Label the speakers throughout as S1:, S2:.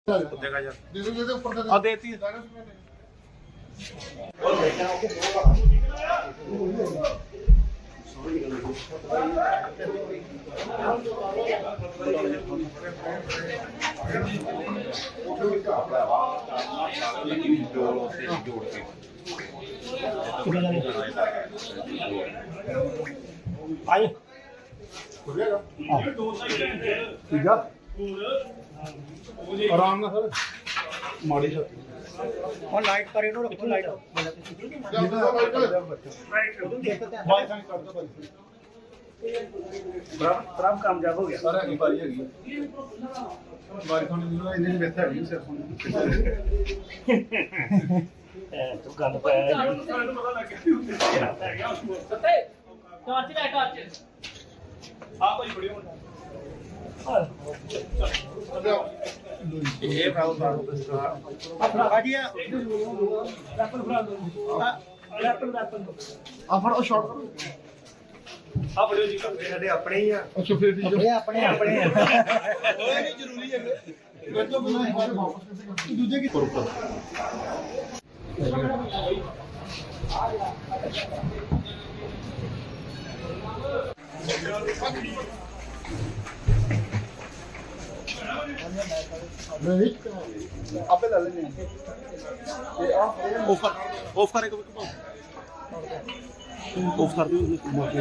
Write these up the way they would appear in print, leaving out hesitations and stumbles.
S1: देखा यार दे ऊपर आ देती
S2: आए
S1: ठीक है आराम ना सर माड़ी छत
S2: और लाइट पर इनो रखो लाइट
S1: भाई सांग कर दो
S2: प्रॉब्लम कामयाब हो गया
S1: सर है भाई है बारी खाने में इन्हें बैठा है सर
S2: तो गंद पाया
S3: टॉर्च लाइट टॉर्च हां कोई वीडियो
S1: ये फाइल सारा
S2: अपना गाड़िया रैपल फ्रा दो रैपल
S1: आ फड़ो शॉट करो
S2: आ वीडियो जी ਸਾਡੇ ਆਪਣੇ ਹੀ ਆ
S1: अच्छा फिर ठीक है
S2: ਆਪਣੇ ਆਪਣੇ
S1: नहीं जरूरी है तो बिना हमारे वापस कैसे दूसरे की ऊपर आपे ले लेने ये ऑफ करे कभी ऑफ कर दियो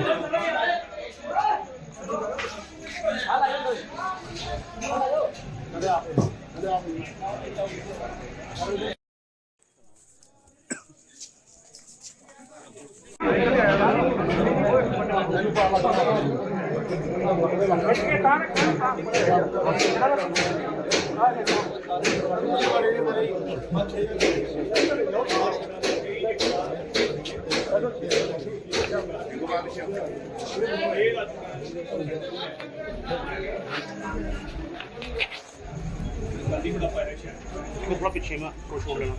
S2: थोड़ा पीछे में छोड़ लेना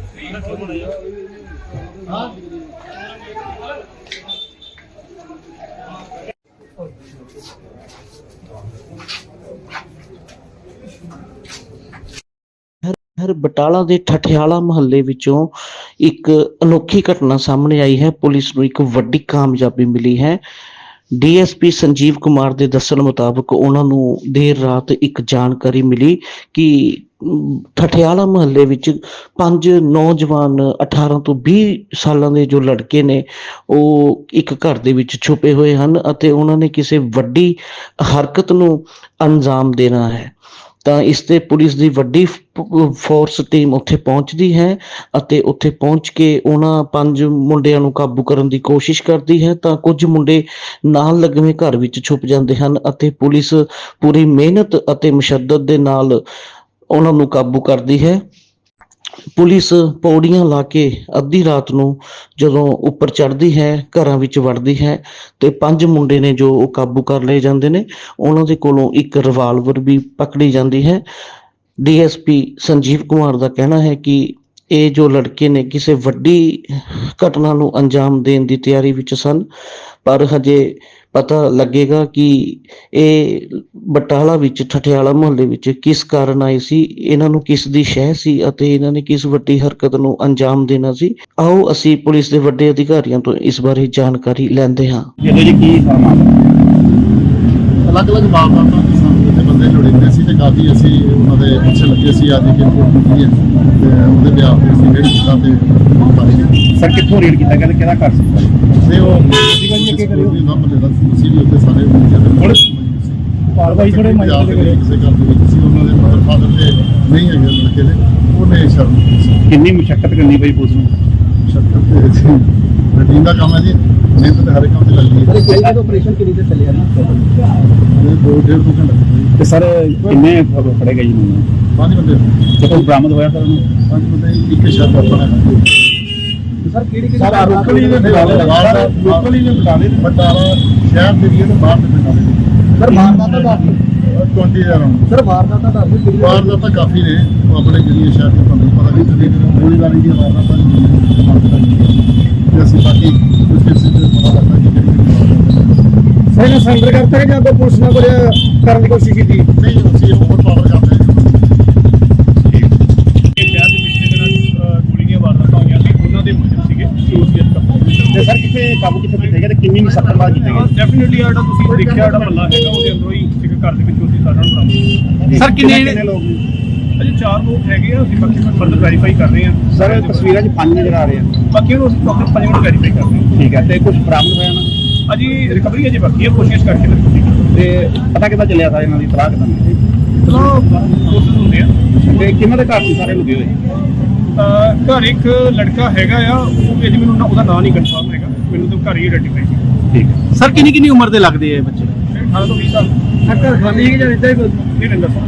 S4: ਹਰ ਬਟਾਲਾ ਦੇ ਠਠਿਆਲਾ ਮੁਹੱਲੇ ਵਿੱਚੋਂ ਇੱਕ ਅਨੋਖੀ ਘਟਨਾ ਸਾਹਮਣੇ ਆਈ ਹੈ। ਪੁਲਿਸ ਨੂੰ ਇੱਕ ਵੱਡੀ ਕਾਮਯਾਬੀ ਮਿਲੀ ਹੈ। ਡੀਐਸਪੀ ਸੰਜੀਵ ਕੁਮਾਰ ਦੇ ਦੱਸਣ ਮੁਤਾਬਕ ਉਹਨਾਂ ਨੂੰ ਦੇਰ ਰਾਤ ਇੱਕ ਜਾਣਕਾਰੀ ਮਿਲੀ ਕਿ ਠਠਿਆਲਾ ਮੁਹੱਲੇ ਵਿੱਚ 5 ਨੌਜਵਾਨ 18 ਤੋਂ 20 ਸਾਲਾਂ ਦੇ ਜੋ ਲੜਕੇ ਨੇ ਉਹ ਇੱਕ ਘਰ ਦੇ ਵਿੱਚ ਛੁਪੇ ਹੋਏ ਹਨ ਅਤੇ ਉਹਨਾਂ ਨੇ ਕਿਸੇ ਵੱਡੀ ਹਰਕਤ ਨੂੰ ਅੰਜਾਮ ਦੇਣਾ ਹੈ। ਤਾਂ ਇਸ ਤੇ ਪੁਲਿਸ ਦੀ ਵੱਡੀ ਫੋਰਸ ਟੀਮ ਉੱਥੇ ਪਹੁੰਚਦੀ ਹੈ ਅਤੇ ਉੱਥੇ ਪਹੁੰਚ ਕੇ ਉਹਨਾਂ 5 ਮੁੰਡਿਆਂ ਨੂੰ ਕਾਬੂ ਕਰਨ ਦੀ ਕੋਸ਼ਿਸ਼ ਕਰਦੀ ਹੈ। ਤਾਂ ਕੁਝ ਮੁੰਡੇ ਨਾਲ ਲੱਗਵੇਂ ਘਰ ਵਿੱਚ ਛੁਪ ਜਾਂਦੇ ਹਨ ਅਤੇ ਪੁਲਿਸ ਪੂਰੀ ਮਿਹਨਤ ਅਤੇ ਮੁਸ਼ੱਦਤ ਦੇ ਨਾਲ ਉਹਨਾਂ ਨੂੰ ਕਾਬੂ ਕਰਦੀ ਹੈ। ਪੁਲਿਸ ਪੌੜੀਆਂ ਲਾ ਕੇ ਅੱਧੀ ਰਾਤ ਨੂੰ ਜਦੋਂ ਉੱਪਰ ਚੜ੍ਹਦੀ ਹੈ, ਘਰਾਂ ਵਿੱਚ ਵੜਦੀ ਹੈ ਤੇ 5 ਮੁੰਡੇ ਨੇ ਜੋ ਉਹ ਕਾਬੂ ਕਰ ਲਏ ਜਾਂਦੇ ਨੇ। ਉਹਨਾਂ ਦੇ ਕੋਲੋਂ ਇੱਕ ਰਿਵਾਲਵਰ ਵੀ ਪਕੜੀ ਜਾਂਦੀ ਹੈ। ਡੀਐਸਪੀ ਸੰਜੀਵ ਕੁਮਾਰ ਦਾ ਕਹਿਣਾ ਹੈ ਕਿ ਇਹ ਜੋ ਲੜਕੇ ਨੇ ਕਿਸੇ ਵੱਡੀ ਘਟਨਾ ਨੂੰ ਅੰਜਾਮ ਦੇਣ ਦੀ ਤਿਆਰੀ ਵਿੱਚ ਸਨ, ਪਰ ਹਜੇ ਪਤਾ ਲੱਗੇਗਾ ਕਿ ਇਹ ਬਟਾਲਾ ਵਿੱਚ ਠਠਿਆਲਾ ਮੁਹੱਲੇ ਵਿੱਚ ਕਿਸ ਕਾਰਨ ਆਏ ਸੀ, ਇਹਨਾਂ ਨੂੰ ਕਿਸ ਦੀ ਸ਼ਹਿ ਸੀ ਅਤੇ ਇਹਨਾਂ ਨੇ ਕਿਸ ਵੱਡੀ ਹਰਕਤ ਨੂੰ ਅੰਜਾਮ ਦੇਣਾ ਸੀ। ਆਓ ਅਸੀਂ ਪੁਲਿਸ ਦੇ ਵੱਡੇ ਅਧਿਕਾਰੀਆਂ ਤੋਂ ਇਸ ਬਾਰੇ ਜਾਣਕਾਰੀ ਲੈਂਦੇ ਹਾਂ।
S2: ਇਹੋ ਜੀ ਕੀ
S1: ਅਲੱਗ-ਅਲੱਗ ਵਾਰਦਾਤਾਂ ਦੇ ਸਾਹਮਣੇ ਤੇ ਬੰਦੇ ਲੋੜੀਂਦੇ ਸੀ ਤੇ ਕਾਫੀ ਅਸੀਂ ਉਹਨਾਂ ਦੇ ਪਿੱਛੇ ਲੱਗੇ ਸੀ। ਅੱਜ ਦੀ ਰਿਪੋਰਟ ਕੀਤੀ ਹੈ ਤੇ ਉਹਦੇ ਬਿਆਨ ਤੇ ਅਸੀਂ ਰੇਡ ਕੀਤਾ ਤੇ ਪਾਈ
S2: ਸਰ ਕਿੱਥੋਂ ਰੇਡ ਕੀਤਾ ਗਿਆ, ਕਿਹਦਾ ਘਰ ਸੀ
S1: ਤੇ ਉਹ ਅੱਗੇ ਕਰਿਓ ਵੀ ਨਾਮ ਲੈਦਾ ਸੀ ਵੀ ਉੱਥੇ ਸਾਰੇ ਹੁਣ
S2: ਕਾਰਵਾਈ ਥੋੜੇ
S1: ਪੰਜਾਬ ਦੇ ਕਿਸੇ ਘਰ ਦੇ ਵਿੱਚ ਸੀ। ਉਹਨਾਂ ਦੇ ਮਦਰ ਫਾਦਰ ਤੇ ਨਹੀਂ ਹੈਗੇ ਲੜਕੇ ਦੇ, ਉਹਨੇ ਸ਼ਰਮ ਕੀਤੀ ਸੀ।
S2: ਕਿੰਨੀ ਮੁਸ਼ਕਲ ਕਰਨੀ ਪਈ ਪੁਲਿਸ ਨੂੰ?
S1: ਸ਼ਰਮ ਤੇ ਰੂਟੀਨ ਦਾ ਕੰਮ ਹੈ ਜੀ, ਮਿਹਨਤ ਤੇ ਹਰ ਕੰਮ ਤੇ ਲੱਗਦੀ ਹੈ।
S2: ਪਹਿਲਾਂ ਆਪਰੇਸ਼ਨ ਕਿੰਨੀ ਦੇਰ ਚੱਲਿਆ ਨਾ?
S1: ਇਹ 2.5 ਘੰਟੇ
S2: ਤੇ ਸਰ ਕਿੰਨੇ ਫੜੇ ਗਏ ਜੀ ਨੂੰ?
S1: 5 ਬੰਦੇ
S2: ਜਦੋਂ ਬਰਾਮਦ ਹੋਇਆ ਸਰ ਉਹਨੂੰ
S1: 5 ਬੰਦੇ ਇੱਕ ਸ਼ਰਮ ਆਪਣਾ
S2: ਸਰ ਕਿਹੜੀ
S1: ਸਰ ਲੋਕਲੀ ਦੇ ਲੋਕਲੀ ਦੇ ਬਟਾਲਾ ਸ਼ਹਿਰ ਦੇ ਏਰੀਆ ਤੋਂ ਬਾਹਰ ਦੇ ਪਿੰਡਾਂ ਦੇ
S2: ਸਰ ਵਾਰਦਾਤਾਂ ਦੱਸ
S1: 20000
S2: ਸਰ ਵਾਰਦਾਤਾਂ ਦੱਸ
S1: ਵਾਰਦਾਤਾਂ ਕਾਫੀ ਨੇ। ਉਹ ਆਪਣੇ ਜਿਹੜੀ ਸ਼ਹਿਰ ਤੋਂ ਤੁਹਾਨੂੰ ਪਤਾ ਨਹੀਂ ਚੱਲੇ ਗੋਲੀਬਾਰੀ ਦੀਆਂ ਵਾਰਦਾਤਾਂ ਤੇ ਅਸੀਂ ਬਾਕੀ ਉਸ ਕੇਸ ਤੇ ਪਤਾ ਲੱਗਦਾ ਕਿ ਕਿਹੜੀ
S2: ਸਰ ਸਰੈਂਡਰ ਕਰਤਾ ਕਿ ਜਾਂ ਕੋਈ ਪੁਲਿਸ ਨਾਲ ਕੋਈ ਕਰਨ ਦੀ ਕੋਸ਼ਿਸ਼ ਕੀਤੀ?
S1: ਨਹੀਂ ਅਸੀਂ ਓਵਰ ਪਾਵਰ ਕਰਦੇ ਹਾਂ।
S5: ਕਾਬੂ ਕਿੱਥੇ ਕੀਤੇ ਗਏ ਤੇ ਕਿੰਨੀ ਮੁਸ਼ਕਲ ਕੀਤੇ ਗਏ?
S3: ਡੈਫੀਨਿਟਲੀ ਜਿਹੜਾ ਤੁਸੀਂ ਦੇਖਿਆ ਜਿਹੜਾ ਮਹੱਲਾ ਹੈਗਾ ਉਹਦੇ ਅੰਦਰੋਂ ਹੀ ਇੱਕ ਘਰ ਦੇ ਵਿੱਚੋਂ ਅਸੀਂ ਸਾਰਿਆਂ ਨੂੰ ਬਰਾਮਦ
S5: ਸਰ ਕਿੰਨੇ ਲੋਕ?
S3: ਅਜੇ 4 ਲੋਕ ਹੈਗੇ ਆ, ਅਸੀਂ ਬਾਕੀ ਫਰਦਰ ਵੈਰੀਫਾਈ ਕਰ ਰਹੇ ਹਾਂ।
S5: ਸਰ ਤਸਵੀਰਾਂ 'ਚ 5 ਨਜ਼ਰ ਆ ਰਹੇ ਆ।
S3: ਬਾਕੀ ਨੂੰ ਅਸੀਂ ਪ੍ਰੋਪਰ 5 ਮਿੰਟ ਵੈਰੀਫਾਈ ਕਰ ਰਹੇ
S5: ਠੀਕ ਹੈ, ਤੇ ਕੁਝ ਬਰਾਮਦ ਹੋਇਆ ਨਾ?
S3: ਹਾਂ। ਅਜੀ ਰਿਕਵਰੀ ਅਜੇ ਬਾਕੀ ਹੈ, ਕੋਸ਼ਿਸ਼ ਕਰਕੇ ਰੱਖੀ
S5: ਤੇ ਪਤਾ ਕਿੱਦਾਂ ਚੱਲਿਆ ਸਾਰੇ ਇਹਨਾਂ ਦੀ ਤਲਾਹ ਕਿੱਦਾਂ?
S3: ਚਲੋ ਕੋਸ਼ਿਸ਼ ਹੁੰਦੇ ਆ।
S5: ਤੇ ਕਿਹਨਾਂ ਦੇ ਘਰ ਸੀ ਸਾਰੇ ਲੁਕੇ ਹੋਏ?
S3: ਘਰ ਇੱਕ ਲੜਕਾ ਹੈਗਾ ਆ, ਉਹ ਅਜੇ ਮੈਨੂੰ ਉਹਦਾ ਨਾਂ ਨਹੀਂ ਕਨਫਰਮ ਹੈਗਾ, ਮੈਨੂੰ ਤਾਂ ਘਰ ਹੀ ਆਈਡੈਂਟੀਫਾਈ ਸੀ।
S5: ਠੀਕ ਹੈ ਸਰ, ਕਿੰਨੀ ਉਮਰ ਦੇ ਲੱਗਦੇ ਆ ਬੱਚੇ?
S3: 18 ਤੋਂ 20 ਸਾਲ।
S2: ਘਰ ਖਾਲੀ ਹੈ ਜਾਂ ਇੱਦਾਂ ਹੀ
S3: ਨਹੀਂ ਰਹਿੰਦਾ ਸਰ।